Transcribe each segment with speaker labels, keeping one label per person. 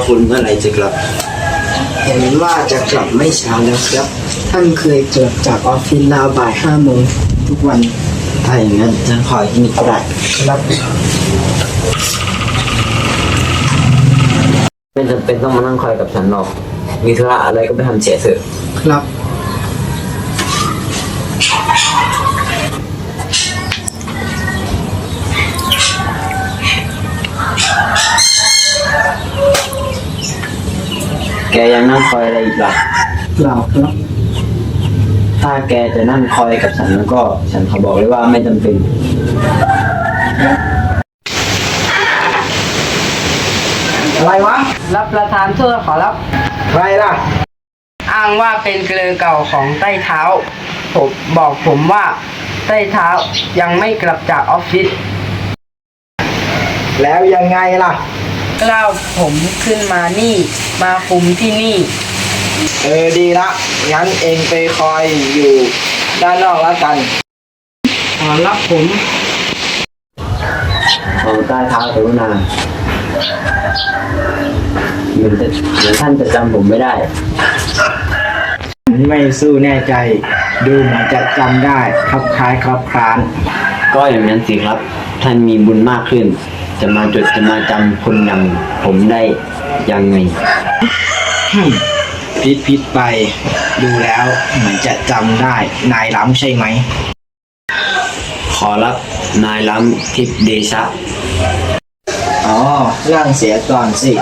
Speaker 1: คุณเมื่อไหร่จะกลับ
Speaker 2: เห็นว่าจะกลับไม่ช้าแล้วครับท่านเคยกลับจากออฟฟิศราวบ่าย5 โมงทุกวัน
Speaker 1: ถ้าอย่างนั้นฉันขอที่นี่ก็ได้
Speaker 2: ครับ
Speaker 1: ไม่จำเป็นต้องมานั่งคอยกับฉันหรอกมีธุระอะไรก็ไปทำเสียเถอะ
Speaker 2: ครับ
Speaker 1: แกยังนั่งคอยอะไรอีกล่ะ
Speaker 2: เปล่าครับ
Speaker 1: ถ้าแกจะนั่งคอยกับฉันแล้วก็ฉันขอบอกเลยว่าไม่จำเป็น
Speaker 2: อะไรวะ
Speaker 3: รับประทานโทษขอรับ
Speaker 2: ใครล่ะ
Speaker 3: อ้างว่าเป็นเกลือเก่าของใต้เท้าผมบอกผมว่าใต้เท้ายังไม่กลับจากออฟฟิศ
Speaker 2: แล้วยังไงล่ะ
Speaker 3: กล้าวผมขึ้นมานี่มาคุมที่นี่
Speaker 2: ดีละงั้นเองไปคอยอยู่ด้านนอกแล้วกัน
Speaker 3: ขอรับผม
Speaker 1: ของใต้เท้ากรุณาเหมือนท่านจะจำผมไม่ได้
Speaker 2: ไม่สู้แน่ใจดูเหมือนจะจำได้ครับคล้ายครับคลาน
Speaker 1: ก็อย่างนั้นสิครับท่านมีบุญมากขึ้นจะมาจำคนอย่างผมได้ยังไง
Speaker 2: พิษไปดูแล้วเหมือนจะจำได้นายล้ำใช่ไหม
Speaker 1: ขอรับนายล้ำทิพเดชะ
Speaker 2: นั่งเสียก่อนสิ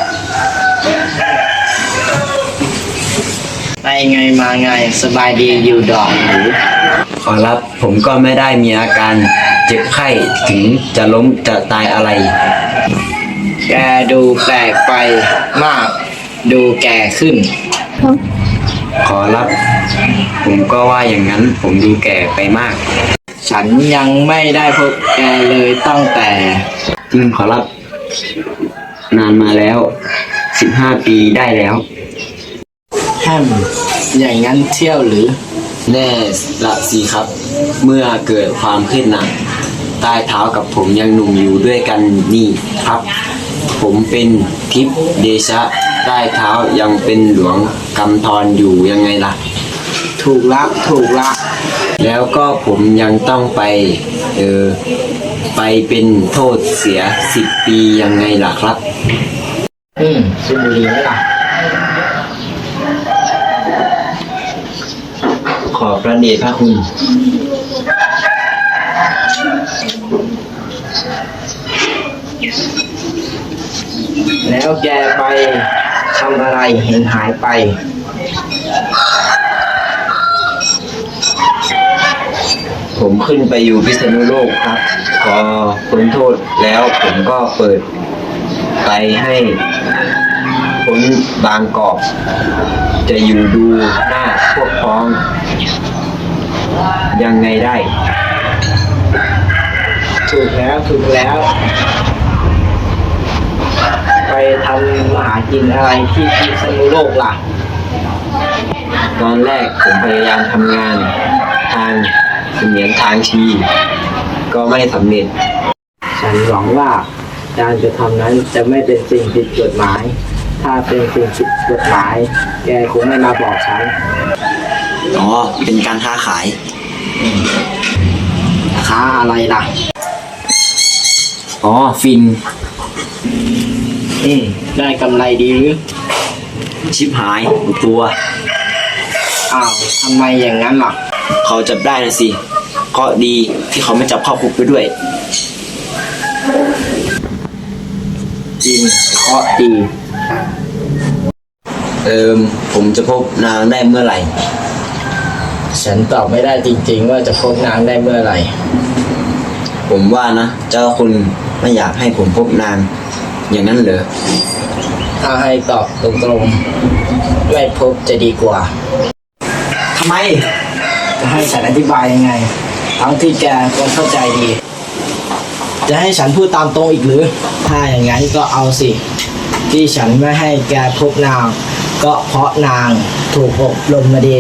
Speaker 2: ไปไงมาไงสบายดีอยู่ดอกหรือ
Speaker 1: ขอรับผมก็ไม่ได้มีอาการเจ็บไข้ถึงจะล้มจะตายอะไร
Speaker 2: แกดูแปลกไปมากดูแก่ขึ้น
Speaker 1: ขอรับผมก็ว่าอย่างนั้นผมดูแก่ไปมาก
Speaker 2: ฉันยังไม่ได้พบแกเลยตั้งแต่
Speaker 1: จริงขอรับนานมาแล้ว15 ปีได้แล้ว
Speaker 2: อย่างนั้นเที่ยวหรือ
Speaker 1: แน่ละสิครับเมื่อเกิดความขึ้นหนักใต้เท้ากับผมยังหนุ่มอยู่ด้วยกันนี่ครับผมเป็นทิพเดชะใต้เท้ายังเป็นหลวงกำธรอยู่ยังไงล่ะ
Speaker 2: ถูกละ
Speaker 1: แล้วก็ผมยังต้องไปเป็นโทษเสีย10 ปียังไงล่ะครับ
Speaker 2: สุบุรีไหมล่ะ
Speaker 1: ขอพระเดชพระคุณ
Speaker 2: แล้วแกไปทำอะไรเห็นหายไป
Speaker 1: ผมขึ้นไปอยู่พิษณุโลกครับพอพ้นโทษแล้วผมก็เปิดไปให้พ้นบางกอกจะอยู่ดูหน้าพวกพ้องยังไงได้
Speaker 2: ถูกแล้วไปทำมหากินอะไรที่พิษณุโลกล่ะ
Speaker 1: ตอนแรกผมพยายามทำงานทางเสมียนทางชีก็ไม่สำเร็จ
Speaker 2: ฉันหวังว่าการจะทำนั้นจะไม่เป็นสิ่งผิดกฎหมายถ้าเป็นสิ่งผิดกฎหมายแกคงไม่มาบอกฉัน
Speaker 1: เป็นการค้าขาย
Speaker 2: ค้าอะไรล่ะ
Speaker 1: ฟิน
Speaker 2: ได้กำไรดีหรือ
Speaker 1: ชิบหายตัว
Speaker 2: ทำไมอย่างนั้นล่ะ
Speaker 1: เขาจับได้นะสิก็ดีที่เขาไม่จับเข้าคุกไปด้วย
Speaker 2: จริงเคราะห์ดี
Speaker 1: ผมจะพบนางได้เมื่อไหร่
Speaker 2: ฉันตอบไม่ได้จริงๆว่าจะพบนางได้เมื่อไหร่
Speaker 1: ผมว่านะเจ้าคุณไม่อยากให้ผมพบนางอย่างนั้นเหรอ
Speaker 2: ถ้าให้ตอบตรงๆไม่พบจะดีกว่า
Speaker 1: ทำไม
Speaker 2: จะให้ฉันอธิบายยังไงทั้งที่แกก็เข้าใจดีจะให้ฉันพูดตามตรงอีกหรือถ้าอย่างนั้นก็เอาสิที่ฉันไม่ให้แกพบนางก็เพราะนางถูกอบรมมาดี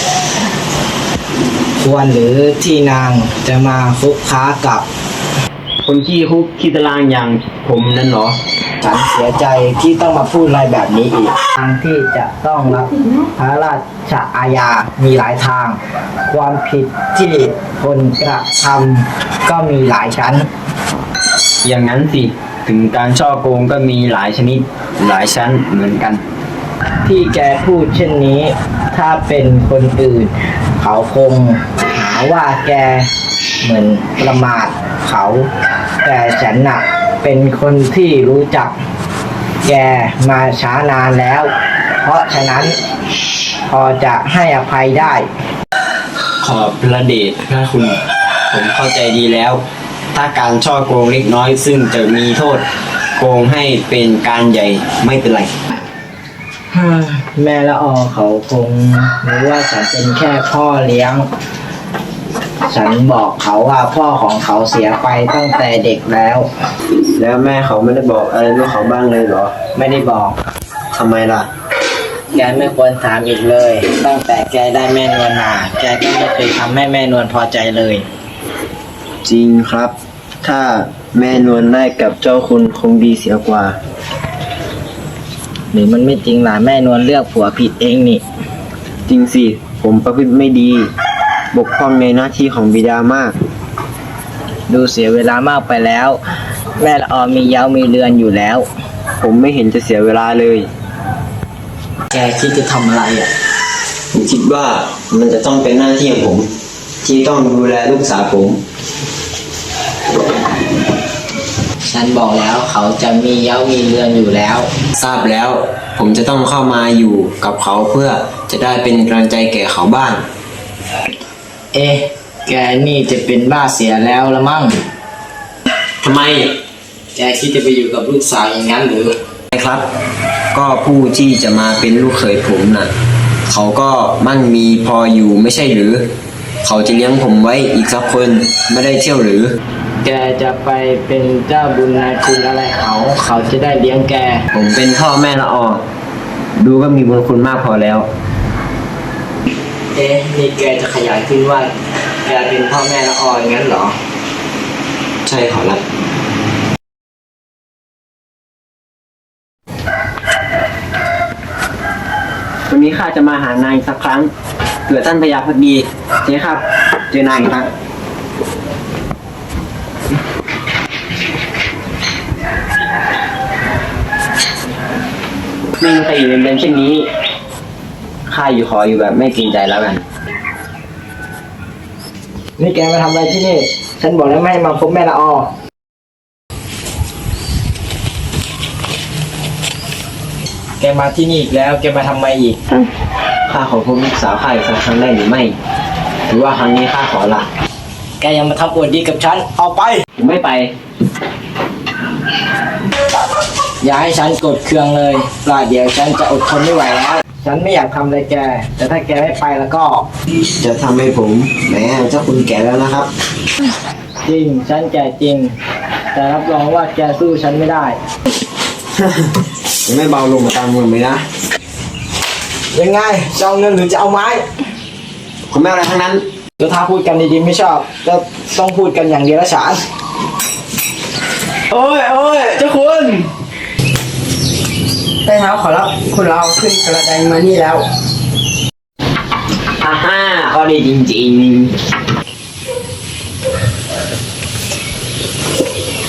Speaker 2: ควรหรือที่นางจะมาคุกค้ากับ
Speaker 1: คนขี้คุกขี้ตารางอย่างผมนั่นเหรอ
Speaker 2: ฉันเสียใจที่ต้องมาพูดอะไรแบบนี้อีกทางที่จะต้องรับพระราชอาญามีหลายทาง ความผิดที่คนกระทำก็มีหลายชั้น
Speaker 1: อย่างนั้นสิ ถึงการช่อโกงก็มีหลายชนิดหลายชั้นเหมือนกัน
Speaker 2: ที่แกพูดเช่นนี้ ถ้าเป็นคนอื่น เขาคงหาว่าแกเหมือนประมาทเขา แต่ฉันน่ะเป็นคนที่รู้จักแกมาช้านานแล้ว เพราะฉะนั้นพอจะให้อภัยได้
Speaker 1: ขอบพระเดชพระคุณ ผมเข้าใจดีแล้ว ถ้าการช่อโกงเล็กน้อยซึ่งจะมีโทษ โกงให้เป็นการใหญ่ไม่เป็นไร
Speaker 2: แม่ละออเขาคงรู้ว่าฉันเป็นแค่พ่อเลี้ยง ฉันบอกเขาว่าพ่อของเขาเสียไปตั้งแต่เด็กแล้ว
Speaker 1: แล้วแม่เขาไม่ได้บอกอะไรลูกเขาบ้างเลยเหรอ
Speaker 2: ไม่ได้บอก
Speaker 1: ทำไมล่ะ
Speaker 2: แกไม่ควรถามอีกเลย ตั้งแต่แกได้แม่นวลมาแกก็ไม่เคยทำให้แม่นวลพอใจเลย
Speaker 1: จริงครับ ถ้าแม่นวลได้กับเจ้าคุณคงดีเสียกว่า
Speaker 2: หรือมันไม่จริงล่ะแม่นวลเลือกผัวผิดเองนี่
Speaker 1: จริงสิ ผมประพฤติไม่ดี บกพร่องในหน้าที่ของบิดามาก
Speaker 2: ดูเสียเวลามากไปแล้ว แม่ละออมีเย้ามีเรือนอยู่แล้ว
Speaker 1: ผมไม่เห็นจะเสียเวลาเลย
Speaker 2: แกคิดจะทำอะไรอ่ะ
Speaker 1: ผมคิดว่ามันจะต้องเป็นหน้าที่ของผม ที่ต้องดูแลลูกสาวผม
Speaker 2: ฉันบอกแล้วเขาจะมีเย้ามีเรือนอยู่แล้ว
Speaker 1: ทราบแล้ว ผมจะต้องเข้ามาอยู่กับเขาเพื่อจะได้เป็นกำลังใจแก่เขาบ้าง
Speaker 2: เอ๊ะ แกนี่จะเป็นบ้าเสียแล้วละมั่ง
Speaker 1: ทำไม
Speaker 2: แกคิดจะไปอยู่กับลูกสาวอย่างนั้นหรือ
Speaker 1: ครับ ก็ผู้ที่จะมาเป็นลูกเขยผมน่ะ เขาก็มั่งมีพออยู่ไม่ใช่หรือ เขาจะเลี้ยงผมไว้อีกสักคนไม่ได้เที่ยวหรือ
Speaker 2: แกจะไปเป็นเจ้าบุญนายคุณอะไรเขาจะได้เลี้ยงแก
Speaker 1: ผมเป็นพ่อแม่ละออดูก็มีบุญคุณมากพอแล้ว
Speaker 2: เอ๊ะ นี่แกจะขยายขึ้นว่าแกเป็นพ่อแม่ละอออย่างนั้นเหรอ
Speaker 1: ใช่ขอรับ วันนี้ข้าจะมาหานายสักครั้งเผื่อท่านพญาพักดีเจ๊ครับ เจอนายครับไม่มีใครอยู่ในเรือนเช่นนี้ข้าอยู่ขออยู่แบบไม่เกรงใจแล้วกัน
Speaker 2: นี่แกมาทำอะไรที่นี่ ฉันบอกแล้วไม่ให้มาพบแม่ละออ แกมาที่นี่อีกแล้ว แกมาทำไมอีก
Speaker 1: ข้าขอพบลูกสาวข้าอีกสักครั้งได้หรือไม่ หรือว่าครั้งนี้ข้าขอละ
Speaker 2: แกยังมาทำอวดดีกับฉัน เอาไป
Speaker 1: ผมไม่ไป
Speaker 2: อย่าให้ฉันกดเครื่องเลยปล่าเดี๋ยวฉันจะอดทนไม่ไหวแล้ว ฉันไม่อยากทำอะไรแก แต่ถ้าแกไม่ไปแล้วก็
Speaker 1: จะทำให้ผมแหมเจ้าคุณแก่แล้วนะครับ
Speaker 2: จริง ฉันแก่จริง แต่รับรองว่าแกสู้ฉันไม่ได้
Speaker 1: จะไม่เบาลงมาตามมือไหมนะ
Speaker 2: ยังไงจะเอาเงินหรือจะเอาไม้
Speaker 1: ผมไม่เอาอะไรทั้งนั้น
Speaker 2: แล้วถ้าพูดกันดีๆไม่ชอบก็ต้องพูดกันอย่างเดียวละฉันโอ้ยเจ้าคุณ
Speaker 3: ใต้เท้าขอรับคุณเราขึ้นกระไดมานี่แล้ว
Speaker 1: ฮ่าฮ่าก็ดีจริงๆ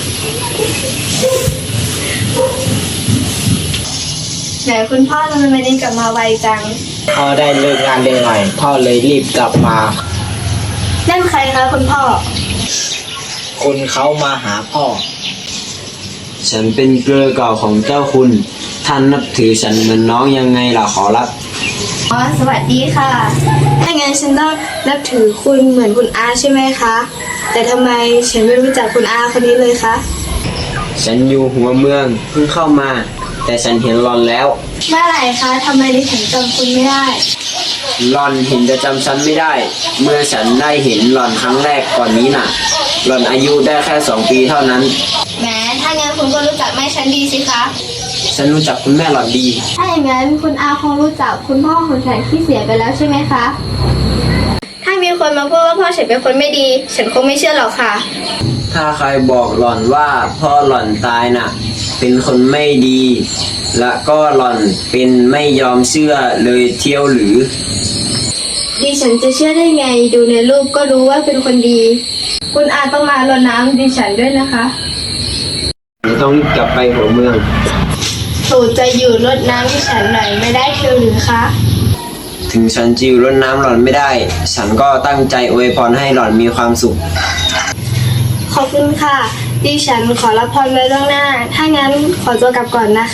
Speaker 4: ไหนคุณพ่อทำไมวันนี้กลับมาไวจัง
Speaker 2: พ่อได้เลิกงานเร็วหน่อยพ่อเลยรีบกลับมา
Speaker 4: นั่นใครคะคุณพ่อ
Speaker 2: คนเขามาหาพ่อ
Speaker 1: ฉันเป็นเกลือเก่าของเจ้าคุณ ท่านนับถือฉันเหมือนน้องยังไงล่ะขอรับ
Speaker 4: อ๋อ สวัสดีค่ะ ถ้างั้นฉันต้องนับถือคุณเหมือนคุณอาใช่ไหมคะ แต่ทำไมฉันไม่รู้จักคุณอาคนนี้เลยคะ
Speaker 1: ฉันอยู่หัวเมืองเพิ่งเข้ามา แต่ฉันเห็นหลอนแล้ว
Speaker 4: เมื่อไหร่คะทำไมดิฉันจำคุณไม่ได้
Speaker 1: หลอนเห็นจะจำฉันไม่ได้ เมื่อฉันได้เห็นหลอนครั้งแรกก่อนนี้น่ะ หลอนอายุได้แค่2 ปีเท่านั้น
Speaker 4: แหม ถ้างั้นคุณก็รู้จักแม่ฉันดีสิคะ
Speaker 1: ฉันรู้จักคุณแม่หลอนดี
Speaker 4: ถ้าอย่างนั้นคุณอาคงรู้จักคุณพ่อของฉันที่เสียไปแล้วใช่ไหมคะ ถ้ามีคนมาพูดว่าพ่อฉันเป็นคนไม่ดี ฉันคงไม่เชื่อหรอกค่ะ
Speaker 1: ถ้าใครบอกหล่อนว่าพ่อหล่อนตายน่ะ เป็นคนไม่ดี และก็หล่อนเป็นไม่ยอมเชื่อเลยเที่ยวหรือ
Speaker 4: ดิฉันจะเชื่อได้ไงดูในรูปก็รู้ว่าเป็นคนดี คุณอาต้องมารดน้ำดิฉันด้วยนะคะ
Speaker 1: ผมต้องรีบกลับไปหัวเมือง
Speaker 4: โปรดจะอยู่รดน้ำดิฉันหน่อยไม่ได้เชียวหรือคะ
Speaker 1: ถึงฉันจะอยู่รดน้ำหล่อนไม่ได้ ฉันก็ตั้งใจอวยพรให้หล่อนมีความสุข
Speaker 4: ขอบคุณค่ะ ดิฉันขอรับพรไว้ล่วงหน้า ถ้างั้นขอตัวกลับก่อนนะคะ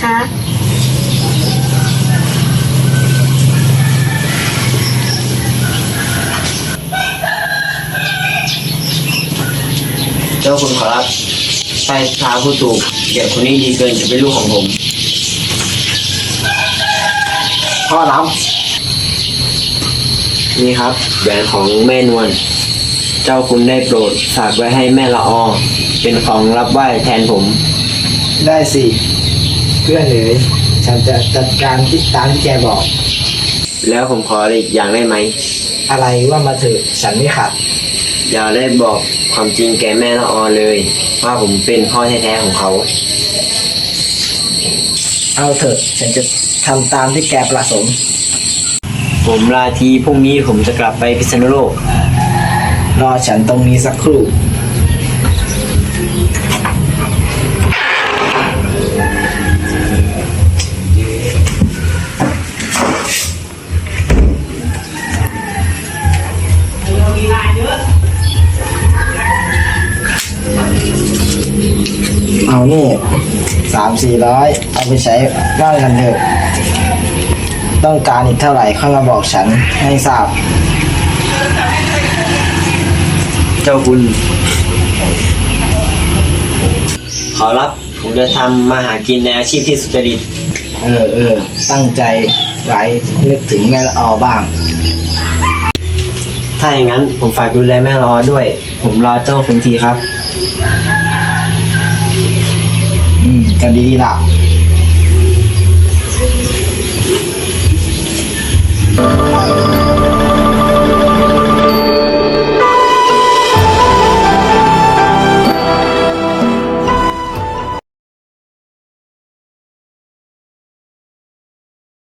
Speaker 1: เจ้าคุณขอรับใต้เท้าผู้ถูกเด็กคนนี้ดีเกินจะเป็นลูกของผม
Speaker 2: พ่อรับ
Speaker 1: นี่ครับแหวนของแม่นวล เจ้าคุณได้โปรดฝากไว้ให้แม่ละออ เป็นของรับไหว้แทนผม
Speaker 2: ได้สิ เพื่อนเอ๋ยฉันจะจัดการที่ตามที่แกบอก
Speaker 1: แล้วผมขออีกอย่างได้ไหม
Speaker 2: อะไรว่ามาเถอะฉันไม่ขัด
Speaker 1: อย่าได้บอกความจริงแก่แม่ละออเลย ว่าผมเป็นพ่อแท้ๆของเขา
Speaker 2: เอาเถอะฉันจะทำตามที่แกประสงค์
Speaker 1: ผมลาทีพรุ่งนี้ผมจะกลับไปพิษณุโลก
Speaker 2: รอฉันตรงนี้สักครู่ เอานี่300-400เอาไปใช้บ้านกันเถอะ ต้องการอีกเท่าไหร่ค่อยมาบอกฉันให้ทราบ
Speaker 1: เจ้าคุณขอรับผมจะทำมาหากินในอาชีพที่สุจริต
Speaker 2: ตั้งใจไว้นึกถึงแม่ละออบ้าง
Speaker 1: ถ้าอย่างนั้นผมฝากดูแลแม่ละออด้วย ผมรอเจ้าคุณทีครับ
Speaker 2: ก็ดีละ